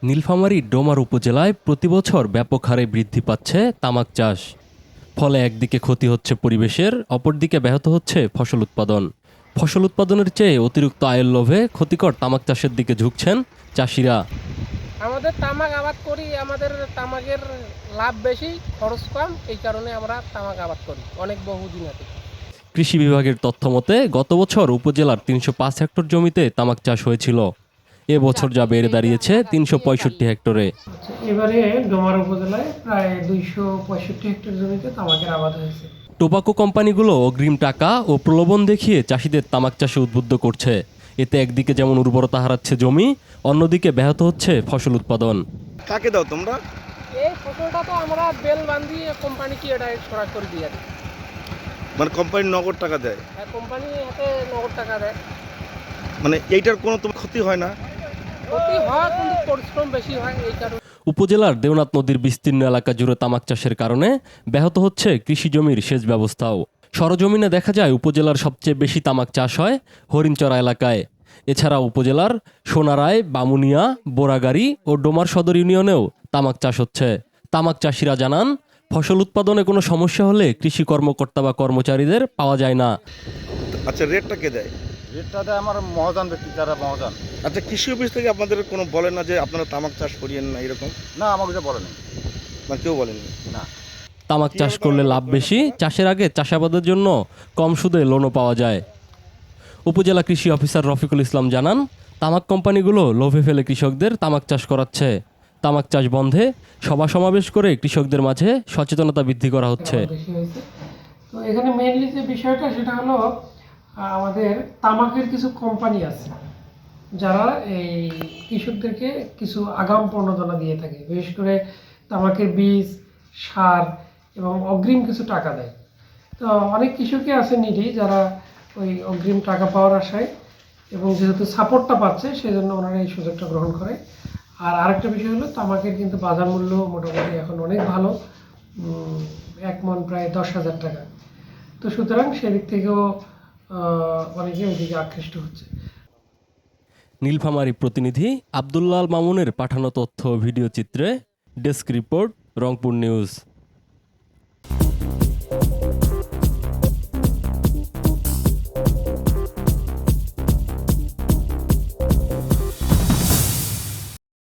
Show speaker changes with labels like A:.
A: নীলফামারী ডোমার উপজেলায় প্রতিবছর ব্যাপক হারে বৃদ্ধি পাচ্ছে তামাক চাষ। ফলে একদিকে ক্ষতি হচ্ছে পরিবেশের, অপরদিকে ব্যাহত হচ্ছে ফসল উৎপাদন। ফসল উৎপাদনের চেয়ে অতিরিক্ত আয়ের লোভে ক্ষতিকর তামাক চাষের দিকে ঝুঁকছেন চাষিরা।
B: আমাদের তামাক আবাদ করি, আমাদের তামাকের লাভ বেশি, খরচ কম, এই কারণে আমরা তামাক আবাদ করি অনেক বহুদিন আগে।
A: কৃষি বিভাগের তথ্য মতে গত বছর উপজেলার ৩০৫ হেক্টর জমিতে তামাক চাষ হয়েছিল। এবছর যা বেড়ে দাঁড়িয়েছে ৩৬৫ হেক্টরে।
B: এবারে ডোমার উপজেলায় প্রায় ২৬৫ হেক্টর জমিতে তামাকের আবাদ হয়েছে।
A: টোবাকো কোম্পানিগুলো অগ্রিম টাকা ও প্রলোভন দেখিয়ে চাষিদের তামাক চাষে উদ্বুদ্ধ করছে। এতে একদিকে যেমন উর্বরতা হারাচ্ছে জমি, অন্যদিকে ব্যাহত হচ্ছে ফসল উৎপাদন।
C: কাকে দাও তোমরা?
B: এই ফসলটা তো আমরা বেল বান্ধিয়ে কোম্পানিকে এটা সরাসরি দিয়ে দিই।
C: মানে কোম্পানি নগদ টাকা দেয়?
B: আর কোম্পানি হাতে নগদ টাকা দেয়।
C: মানে এইটার কোনো তোমার ক্ষতি হয় না?
B: ক্ষতি হয় কিন্তু পরিশ্রম বেশি হয়, এই কারণে।
A: উপজেলার দেওনাথ নদীর বিস্তীর্ণ এলাকা জুড়ে তামাক চাষের কারণে ব্যাহত হচ্ছে কৃষি জমির সেচ ব্যবস্থাও। সরজমিনে দেখা যায় উপজেলার সবচেয়ে বেশি তামাক চাষ হয় হরিণচরা এলাকায়। এছাড়া উপজেলার সোনারায়, বামুনিয়া, বোরাগাড়ি ও ডোমার সদর ইউনিয়নেও তামাক চাষ হচ্ছে। তামাক চাষিরা জানান, ফসল উৎপাদনে কোনো সমস্যা হলে কৃষি কর্মকর্তা বা কর্মচারীদের পাওয়া যায় না।
C: আচ্ছা, রেটটা কে দেয়?
D: রেটটা দেয় আমার মহাজন ব্যক্তি, যারা মহাজন।
C: আচ্ছা, কৃষি অফিস থেকে আপনাদের কোনো বলে না যে আপনারা তামাক চাষ করিয়েন না এরকম?
D: না, আমাকে এটা বলে নাই।
C: না, কেউ বলেনি?
D: না।
A: তামাক চাষ করলে লাভ বেশি, চাষের আগে চাষাবাদের জন্য কম সুদে লোনও পাওয়া যায়। উপজেলা কৃষি অফিসার রফিকুল ইসলাম জানান, তামাক কোম্পানিগুলো লোভে ফেলে কৃষকদের তামাক চাষ করাচ্ছে। তামাক চাষ বন্ধে সভা সমাবেশ করে কৃষকদের মাঝে সচেতনতা বৃদ্ধি করা হচ্ছে।
B: তো এখানে মেইনলি যে বিষয়টা সেটা হলো আমাদের তামাকের কিছু কোম্পানি আছে যারা এই কৃষকদেরকে কিছু আগাম প্রণোদনা দিয়ে থাকে, বিশেষ করে তামাকের বীজ, সার এবং অগ্রিম কিছু টাকা দেয়। তো অনেক কৃষকই আছে নিডি যারা ওই অগ্রিম টাকা পাওয়ার আশায় এবং যেহেতু সাপোর্টটা পাচ্ছে সেই জন্য ওনারা এই সুযোগটা গ্রহণ করে। আর আরেকটা বিষয় হলো তামাকের কিন্তু বাজার মূল্য মোটামুটি এখন অনেক ভালো, 1 মণ প্রায় 10,000 টাকা। তো সুতরাং সেদিক থেকেও অনেকে ওইদিকে আকৃষ্ট হচ্ছে।
A: নীলফামারী প্রতিনিধি আব্দুল্লাহ আল মামুনের পাঠানো তথ্য ও ভিডিও চিত্রে ডেস্ক রিপোর্ট, রংপুর নিউজ।